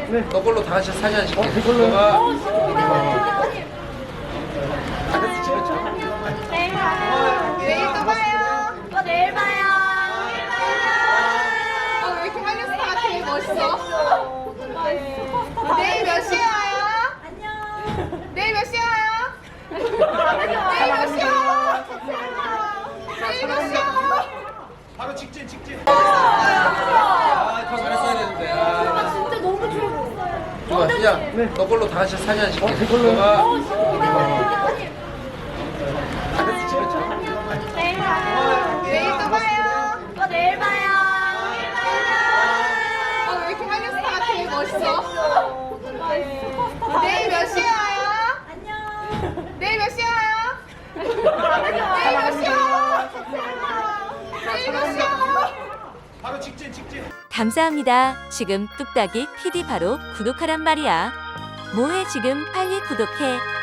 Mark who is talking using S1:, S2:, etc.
S1: 너 걸로 다 같이 사진 한 찍게.
S2: 그걸로.
S1: 너가
S3: 내일 또 봐요. 내일 봐요. 왜 이렇게 한류스타가 되게 멋있어? 내일 몇 시에 와요? 안녕. 내일 몇 시에 와요? 내일 몇 시에 와요? 내일 몇 시에 와요?
S1: 바로 직진.
S3: 아,
S1: 더 잘했어야 되는데. 아.
S3: 진짜 너무 좋았어요.
S1: 좋아, 야, 너 걸로 다 같이 사진 한 찍게.
S2: 그걸로.
S1: 너가
S3: 내일 봐요. 내일 또 봐요. 내일 봐요. 왜 이렇게 한류스타가 되게 멋있어? 내일 몇 시에 와요? 안녕. 내일 몇 시에 와요? 내일 몇 시에 와요? 내일 몇 시에 와요?
S1: 바로 직진.
S4: 감사합니다. 지금 뚝딱이 PD 바로 구독하란 말이야. 뭐해 지금 빨리 구독해.